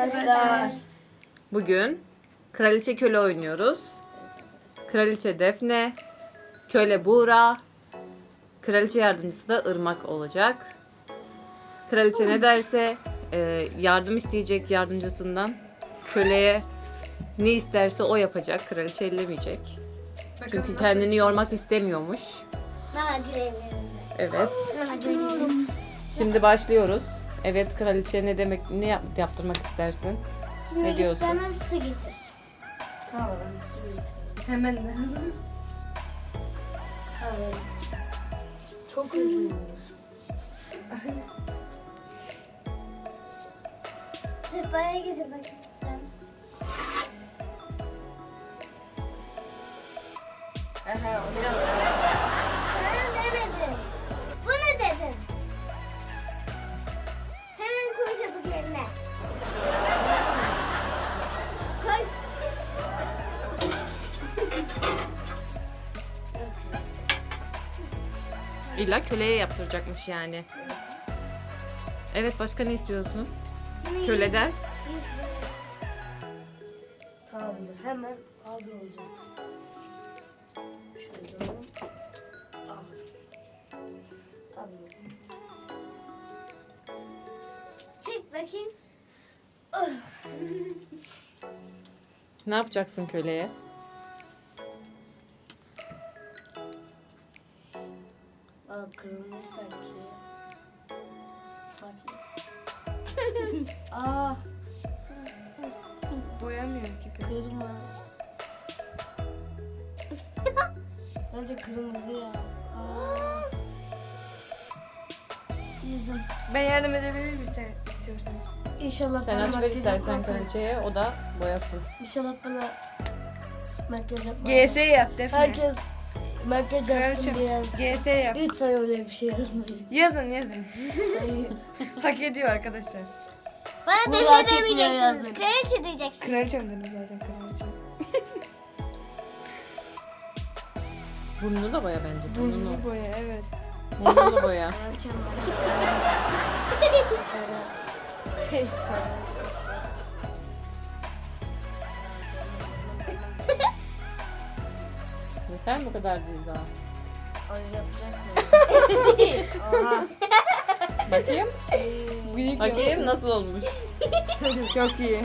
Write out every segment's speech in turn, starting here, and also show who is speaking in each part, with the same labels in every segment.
Speaker 1: arkadaşlar.
Speaker 2: Bugün kraliçe köle oynuyoruz. Kraliçe Defne, köle Buğra, kraliçe yardımcısı da Irmak olacak. Kraliçe ne derse yardım isteyecek yardımcısından. Köleye ne isterse o yapacak. Kraliçe ellemeyecek. Çünkü kendini yormak istemiyormuş. Evet. Şimdi başlıyoruz. Evet kraliçe ne demek, ne yaptırmak istersin? Ne diyorsun?
Speaker 1: Bana su getir.
Speaker 3: Tamam, su getir. Hemen. Tamam. Çok hızlıyım.
Speaker 1: Sefaya getir bakayım sen.
Speaker 3: Aha, o biraz.
Speaker 1: Bana demedin. Bunu dedin. Hemen koy çabuk yerine. Koy.
Speaker 2: İlla köleye yaptıracakmış yani. Evet, başka ne istiyorsun? Köleden?
Speaker 3: Tamamdır. Hemen hazır olacak. Şöyle. Al. Al.
Speaker 1: Çık bakayım.
Speaker 2: Ne yapacaksın köleye?
Speaker 3: Aa, kırılmış sanki. Aa. Boyamıyor gibi. Kırma. Bence kırmızı ya. Aa. Yüzüm.
Speaker 4: Ben yardım edebilir miyim sen istiyorsan?
Speaker 3: İnşallah
Speaker 2: Sen
Speaker 3: bana
Speaker 2: aç ver
Speaker 3: makyaj
Speaker 2: istersen
Speaker 3: yapmazsın.
Speaker 2: kraliçeye, o da boyasın.
Speaker 3: İnşallah bana makyaj yapmaz.
Speaker 4: GS yap Defne.
Speaker 3: Herkes makyaj yapsın diye.
Speaker 4: GS yap.
Speaker 3: Lütfen öyle bir şey yazmayın.
Speaker 4: Yazın.
Speaker 3: Hayır.
Speaker 4: Hak ediyor arkadaşlar.
Speaker 1: Bana
Speaker 3: Bu
Speaker 1: defne
Speaker 3: hak etmiyor
Speaker 1: demeyeceksiniz.
Speaker 3: yazın.
Speaker 1: Kraliçe diyeceksiniz.
Speaker 4: Kraliçe mi dedim zaten kraliçe?
Speaker 2: Burnunu da boya bence. Burnunu.
Speaker 4: Burnunu boya evet.
Speaker 2: Burnunu boya. Yeter mi bu kadar ceza?
Speaker 3: Oha.
Speaker 2: Bakayım.
Speaker 4: Büyük
Speaker 2: Bakayım nasıl olmuş.
Speaker 4: Çok iyi.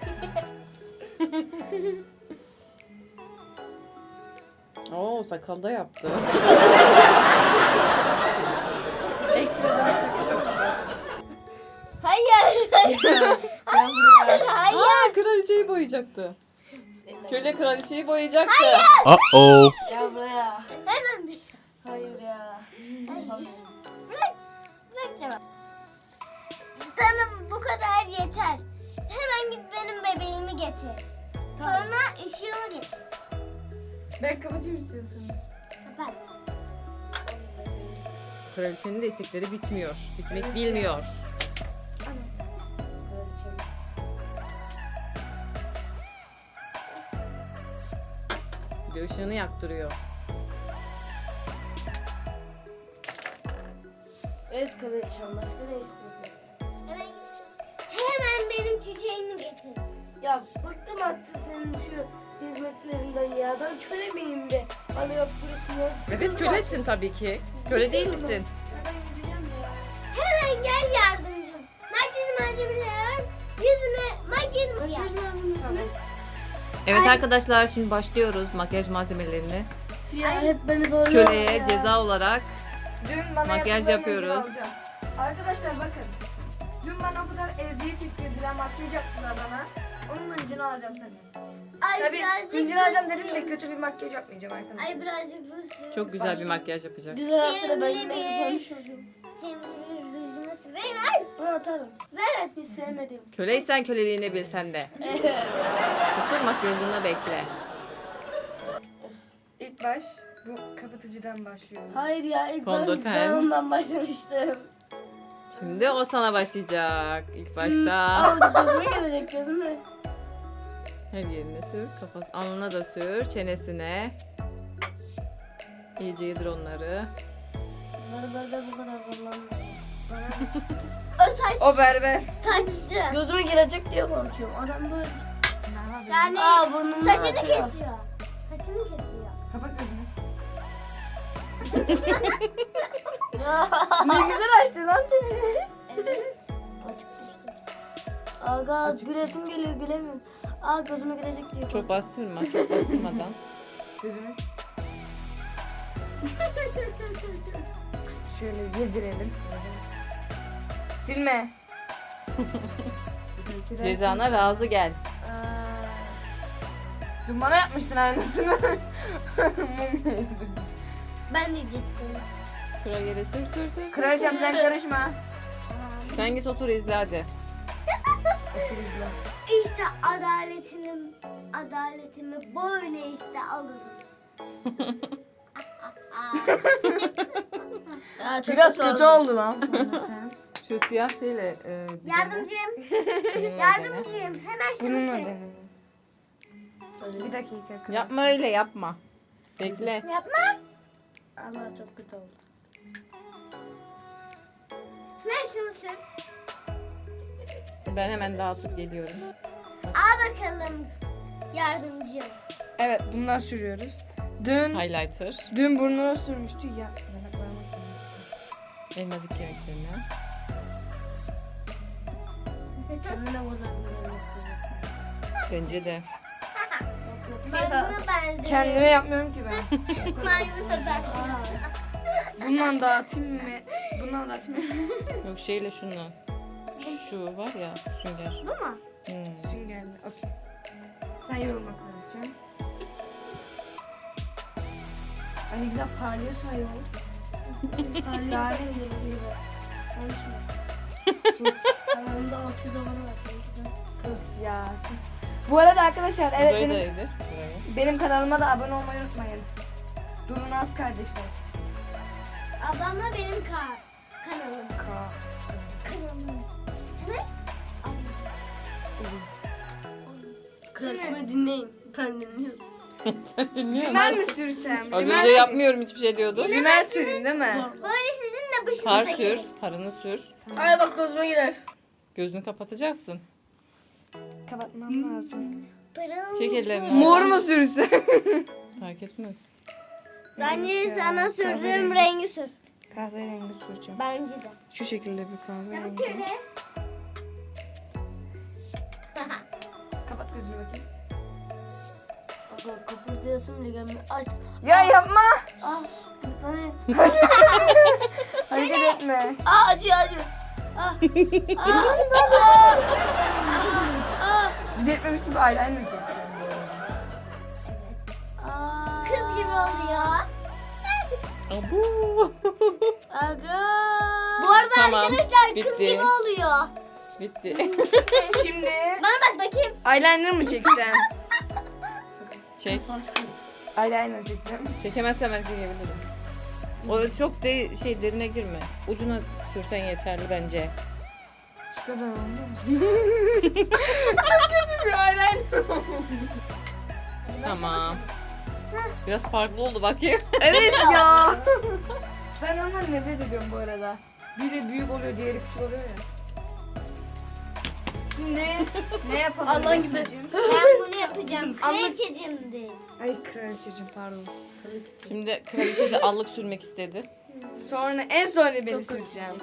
Speaker 2: Oo, sakalda yaptı.
Speaker 4: Ekstradan bir sakın.
Speaker 1: Hayır. Hayır.
Speaker 2: Aa, kraliçeyi boyayacaktı. Köle kraliçeyi boyayacaktı.
Speaker 5: Uh-oh.
Speaker 3: Gel buraya.
Speaker 1: Hemen bir.
Speaker 3: Hayır ya.
Speaker 1: Bırak. Bırak cevap. Sana bu kadar yeter. Hemen git benim bebeğimi getir. Sonra ışığımı getir.
Speaker 4: Ben kapatayım istiyorsan.
Speaker 1: Kapat.
Speaker 2: Kraliçenin de istekleri bitmiyor. Bitmek bilmiyor. Bir de ışığını yaktırıyor.
Speaker 3: Evet kraliçem, başka ne istiyorsunuz?
Speaker 1: Hemen benim çiçeğimi getir.
Speaker 3: Ya bıktım artık senin şu hizmetlerinden ya. Ben köle miyim de bana yaptırırsın ya.
Speaker 2: Evet, kölesin tabii ki. Köle değil misin?
Speaker 3: Ya ben gideceğim ya.
Speaker 1: Hemen gel yardımcım. Makyaj malzemeleri yüzüne makyajımı yap.
Speaker 3: Makyaj malzemesi mi?
Speaker 2: Evet arkadaşlar, şimdi başlıyoruz makyaj malzemelerini.
Speaker 3: Ya hep beni zorluyor
Speaker 2: Köleye
Speaker 3: ya.
Speaker 2: ceza olarak
Speaker 4: Dün bana
Speaker 2: Makyaj
Speaker 4: yaptıklarını
Speaker 2: yapıyoruz.
Speaker 4: ödül alacağım. Arkadaşlar bakın. Dün bana o kadar eziyet çektirdiler, makyaj yaptılar bana. Onun hıncını alacağım senden.
Speaker 1: Ay
Speaker 4: Tabii
Speaker 1: birazcık
Speaker 4: hıncını alacağım dedim
Speaker 1: Rus'um.
Speaker 4: de kötü bir makyaj yapmayacağım arkadaşlar.
Speaker 1: Ay birazcık Rus'um.
Speaker 2: çok güzel bir makyaj yapacak.
Speaker 3: Güzel sıra ben
Speaker 1: Sevimli
Speaker 3: yine
Speaker 1: bir-
Speaker 3: tanışıyordum.
Speaker 1: Sevimli rujumu süreyim. Ay
Speaker 3: Bunu atarım.
Speaker 1: ver hadi.
Speaker 3: Hiç sevmedim.
Speaker 2: Köleysen köleliğini bil sen de. Otur makyajını bekle.
Speaker 4: İlk baş bu kapatıcıdan başlıyoruz.
Speaker 3: Hayır ya ilk
Speaker 2: Fondöten.
Speaker 3: ben ondan başlamıştım.
Speaker 2: Şimdi o sana başlayacak. İlk başta
Speaker 3: Aldı gözüme gelecek gözüme.
Speaker 2: her yerine sür. Kafası, alnına da sür. Çenesine. İyice yedir onları.
Speaker 3: Bunları böyle bu kadar zorlanmıyor.
Speaker 1: O saç
Speaker 4: O berber.
Speaker 1: saçtı.
Speaker 3: Gözüme girecek diye korkuyorum. Adam böyle.
Speaker 1: Yani
Speaker 3: Burnumu
Speaker 1: saçını
Speaker 3: atıyor.
Speaker 1: kesiyor. Saçını kesiyor.
Speaker 4: Kapat gözünü.
Speaker 3: Ne
Speaker 4: güzel açtı lan seni.
Speaker 1: Evet.
Speaker 3: Aga gülesim geliyor gülemiyorum. Aa gözüme girecek diye.
Speaker 2: Çok bastırma, çok bastırmadan.
Speaker 4: Gözünü. Şöyle yedirelim. Silme.
Speaker 2: Cezana razı gel.
Speaker 4: Dün bana yapmıştın aynısını.
Speaker 1: Ben diyecektim.
Speaker 2: Şuraya yere sür.
Speaker 4: Kraliçem sen karışma.
Speaker 2: Sen git otur izle hadi.
Speaker 1: İşte adaletimi böyle işte alırım.
Speaker 3: Aa, çok
Speaker 4: Biraz kötü oldu lan.
Speaker 2: Şu siyah şeyle
Speaker 1: Yardımcım.
Speaker 2: şununla dene.
Speaker 1: Yardımcıyım. Hemen şunu
Speaker 4: Bununla
Speaker 1: çek.
Speaker 4: denedim. Bir dakika.
Speaker 2: Yapma öyle yapma. Bekle.
Speaker 1: Yapma.
Speaker 3: Allah çok kötü oldu.
Speaker 1: Ver şunu sür.
Speaker 2: Ben hemen dağıtıp geliyorum.
Speaker 1: Al bakalım yardımcım.
Speaker 4: Evet bundan sürüyoruz. Dün
Speaker 2: Highlighter.
Speaker 4: burnuna sürmüştü ya.
Speaker 2: Elmacık kemiklerine.
Speaker 3: Kendine buradan güzel
Speaker 2: Bence de.
Speaker 1: Maymuna benziyor.
Speaker 4: Kendime yapmıyorum ki ben.
Speaker 1: Maymuna benziyor.
Speaker 4: Bundan dağıtayım mı? Bundan dağıtayım mı?
Speaker 2: Yok şeyle şunla. Şu var ya sünger.
Speaker 1: Bu mu?
Speaker 4: Süngerli. Okey. Sen yorum bakalım. Ay ne güzel parlıyorsun ayol.
Speaker 3: Parlıyor gibi. Konuşma. Kanalımda 600 abone var sanki de.
Speaker 4: Sus ya. Sus. Bu arada arkadaşlar evet
Speaker 2: Burayı da
Speaker 4: benim,
Speaker 2: yedir. Burayı.
Speaker 4: benim kanalıma da abone olmayı unutmayın. Durun az kardeşler.
Speaker 1: Ablamla benim kanalım. Kanalım. Evet.
Speaker 3: Kraliçemi dinleyin. Ben dinliyorum.
Speaker 2: Sen dinliyor
Speaker 4: Rimel
Speaker 2: musun?
Speaker 4: mi sürsem?
Speaker 2: Az
Speaker 4: Rimel
Speaker 2: önce
Speaker 4: süreyim.
Speaker 2: yapmıyorum hiçbir şey diyordun.
Speaker 4: Rimel süreyim değil mi?
Speaker 1: Böyle sizin de başınıza
Speaker 2: Par sür.
Speaker 1: gelir.
Speaker 2: Parını sür.
Speaker 3: Ay bak gözüme girer.
Speaker 2: Gözünü kapatacaksın.
Speaker 4: Kapatmam lazım.
Speaker 1: Pırıl.
Speaker 2: Çek ellerini.
Speaker 4: Mor
Speaker 2: oradan.
Speaker 4: mu sürse?
Speaker 2: Fark etmez.
Speaker 1: Bence sana sürdüğüm rengi sür.
Speaker 4: Kahverengi süreceğim.
Speaker 1: Bence de.
Speaker 4: Şu şekilde bir
Speaker 1: Ya
Speaker 4: kahverengi.
Speaker 1: bir kere.
Speaker 4: Kapat gözünü bakayım.
Speaker 3: Aga kapatıyorsun bile gelmiyor. Aç.
Speaker 4: Ya yapma.
Speaker 3: Ah. Hani.
Speaker 4: Hareket etme.
Speaker 3: Aa acıyor acıyor. Ah.
Speaker 4: Bir de etmemiş gibi eyeliner çekeceğim.
Speaker 3: Aa.
Speaker 1: Kız gibi oluyor.
Speaker 2: Abu.
Speaker 3: Aga.
Speaker 1: Bu arada
Speaker 2: Tamam,
Speaker 1: arkadaşlar kız
Speaker 2: bitti.
Speaker 1: gibi oluyor.
Speaker 2: Bitti.
Speaker 4: Şimdi
Speaker 1: Bana bak bakayım.
Speaker 4: eyeliner mı çeksem?
Speaker 2: Çek.
Speaker 4: Eyeliner çekeceğim.
Speaker 2: Çekemezsen ben çekebilirim. O çok de şey derine girme. Ucuna sürsen yeterli bence.
Speaker 4: Şu kadar oldu mu? Çok kötü bir eyeliner.
Speaker 2: Tamam. Biraz farklı oldu bakayım.
Speaker 4: Evet ya. Ben ondan nefret ediyorum bu arada. Biri büyük oluyor, diğeri küçük oluyor ya. Şimdi ne yapalım?
Speaker 3: Allah'ın gibi.
Speaker 1: Ben bunu yapacağım.
Speaker 4: Anlat.
Speaker 1: Kraliçeciğim de.
Speaker 4: Ay kraliçeciğim pardon.
Speaker 2: Şimdi kraliçe de allık sürmek istedi.
Speaker 4: Sonra en sonra beni süreceğim.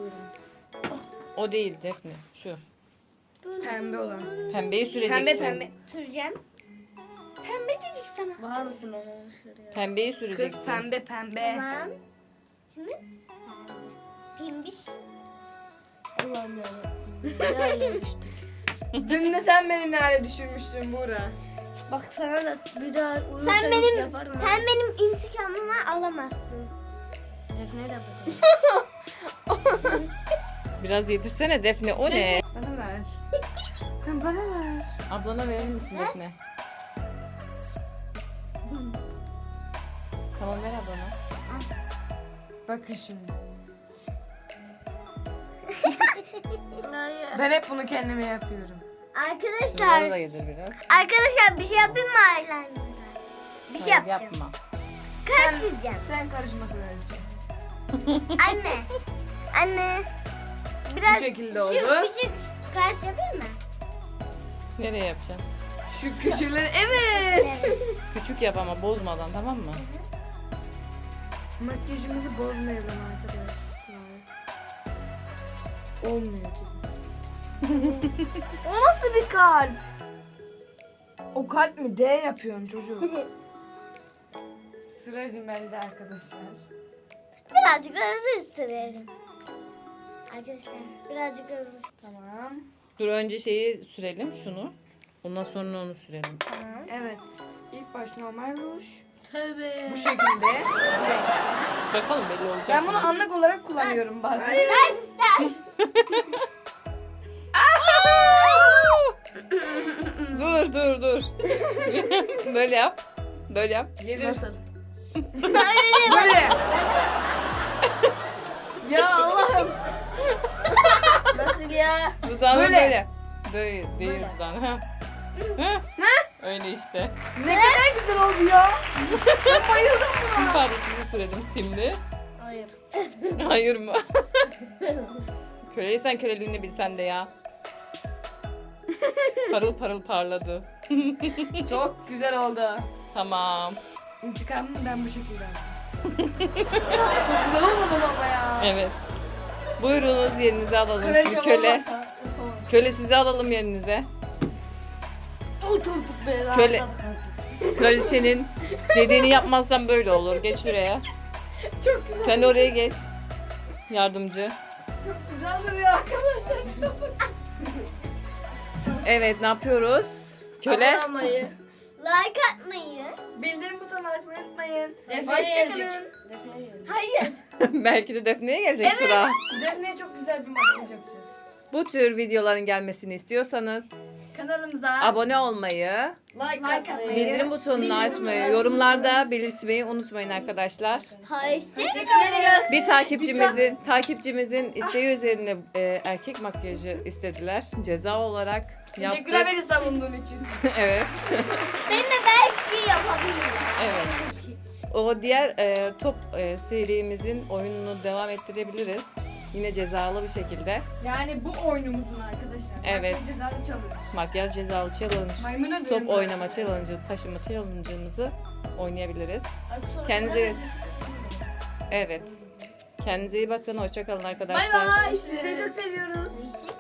Speaker 2: O değil Defne. Şu.
Speaker 4: Pembe olan.
Speaker 2: Pembeyi süreceksin.
Speaker 4: Pembe.
Speaker 1: Süreceğim.
Speaker 4: Pembe diyecek sana.
Speaker 3: Var mısın ona şuraya?
Speaker 2: Pembeyi süreceksin.
Speaker 4: Kız pembe pembe.
Speaker 1: Tamam. Şimdi pimbiş.
Speaker 3: Allah'ım yarabbim. Ne hale düştük.
Speaker 4: Dün de sen beni ne hale düşürmüştün Buğra.
Speaker 3: Bak sana da bir daha uyurken
Speaker 1: Sen benim
Speaker 3: yaparım ha.
Speaker 1: sen benim intikamımı alamazsın.
Speaker 3: Defne'ye de yapacağım.
Speaker 2: Biraz yedirsene Defne. O ne?
Speaker 4: Bana ver. Sen bana ver.
Speaker 2: Ablana verir misin Defne? Tamam ver ablana.
Speaker 4: Bakın şimdi.
Speaker 3: Hayır.
Speaker 4: Ben hep bunu kendime yapıyorum.
Speaker 1: Arkadaşlar.
Speaker 2: Bunları da yedir biraz.
Speaker 1: Arkadaşlar bir şey yapayım mı eyeliner'da? Bir şey
Speaker 2: Hayır,
Speaker 1: yapacağım.
Speaker 2: yapma.
Speaker 1: Kalp çizeceğim.
Speaker 4: Sen karışmasın önce.
Speaker 1: Anne. Anne. Biraz
Speaker 4: Bu şekilde
Speaker 1: şu
Speaker 4: oldu.
Speaker 1: küçük kalp yapayım mı?
Speaker 2: Nereye yapacaksın?
Speaker 4: Şu köşeleri evet.
Speaker 1: Evet.
Speaker 2: Küçük yap ama bozmadan, tamam mı?
Speaker 4: Makyajımızı bozmayalım arkadaşlar. Olmuyor gibi. O nasıl bir kalp? O kalp mi? D yapıyorsun çocuk. Sıra rimelde arkadaşlar.
Speaker 1: Birazcık ruj sürelim. Arkadaşlar birazcık ruj.
Speaker 4: Tamam.
Speaker 2: Dur önce şeyi sürelim, şunu. Ondan sonra onu sürelim.
Speaker 1: Tamam.
Speaker 4: Evet. İlk baş normal ruj.
Speaker 3: Tövbe.
Speaker 4: Bu şekilde. renk.
Speaker 2: Bakalım belli olacak
Speaker 4: Ben
Speaker 2: mı?
Speaker 4: bunu anlık olarak kullanıyorum bazen.
Speaker 2: Dur dur dur. Böyle yap. Böyle yap.
Speaker 4: Nasıl? Böyle. Ya Allah'ım.
Speaker 3: Nasıl ya?
Speaker 2: Dudağını
Speaker 4: Böyle.
Speaker 2: böyle. Böyle değil dudağını. Ha. Ha. Öyle işte.
Speaker 4: Ne kadar güzel oldu ya. Ben bayıldım
Speaker 2: Çin
Speaker 4: buna.
Speaker 2: parçası sürelim simli.
Speaker 3: Hayır.
Speaker 2: Hayır mı? Köleysen köleliğini bilsen de ya. Parıl parıl parladı.
Speaker 4: Çok güzel oldu.
Speaker 2: Tamam.
Speaker 4: İntikamımı ben bu şekilde aldım. Çok güzel olmadı ama ya.
Speaker 2: Evet. Buyurunuz yerinize alalım.
Speaker 3: Kraliçem
Speaker 2: Sizi köle.
Speaker 3: olmasa yapamam.
Speaker 2: Köle sizi alalım yerinize.
Speaker 3: Oturduk be.
Speaker 2: Köle.
Speaker 3: rahatladık artık.
Speaker 2: Kraliçenin dediğini yapmazsan böyle olur. Geç şuraya.
Speaker 4: Çok güzel.
Speaker 2: Sen de oraya geç. Yardımcı.
Speaker 4: Çok güzel duruyor arkadaşlar.
Speaker 2: Evet, ne yapıyoruz? Köle.
Speaker 3: Abone olmayı.
Speaker 1: Like atmayı.
Speaker 4: Bildirim butonunu açmayı unutmayın.
Speaker 3: Defne'ye gelecek.
Speaker 4: Hoşçakalın.
Speaker 3: Defne'ye gelecek.
Speaker 1: Hayır.
Speaker 2: Belki de Defne'ye gelecek sıra.
Speaker 4: Defne'ye çok güzel bir makyaj yapacağız.
Speaker 2: Bu tür videoların gelmesini istiyorsanız
Speaker 4: Kanalımıza
Speaker 2: abone olmayı,
Speaker 3: Like atmayı.
Speaker 2: bildirim butonunu açmayı, yorumlarda belirtmeyi unutmayın arkadaşlar.
Speaker 1: Hoşçakalın.
Speaker 2: Bir takipçimizin isteği üzerine erkek makyajı istediler. Ceza olarak
Speaker 4: teşekkürler
Speaker 2: yaptık.
Speaker 4: beni savunduğun için.
Speaker 2: Evet.
Speaker 1: Ben de belki yapabilirim.
Speaker 2: Evet. O diğer top serimizin oyununu devam ettirebiliriz. Yine cezalı bir şekilde.
Speaker 4: Yani bu oyunumuzun arkadaşlar.
Speaker 2: Evet.
Speaker 4: Makyaj cezalı çalıyor.
Speaker 2: Makyaj cezalı challenge,
Speaker 4: Maymuna
Speaker 2: top
Speaker 4: dönüyorum.
Speaker 2: oynama challenge'ı, taşıma challenge'ımızı oynayabiliriz.
Speaker 3: Sonra-
Speaker 2: Kendinize Evet. Kendinize iyi bakın. Hoşça kalın arkadaşlar.
Speaker 4: Bay bay. Sizleri çok seviyoruz.
Speaker 1: Hoşçakalın.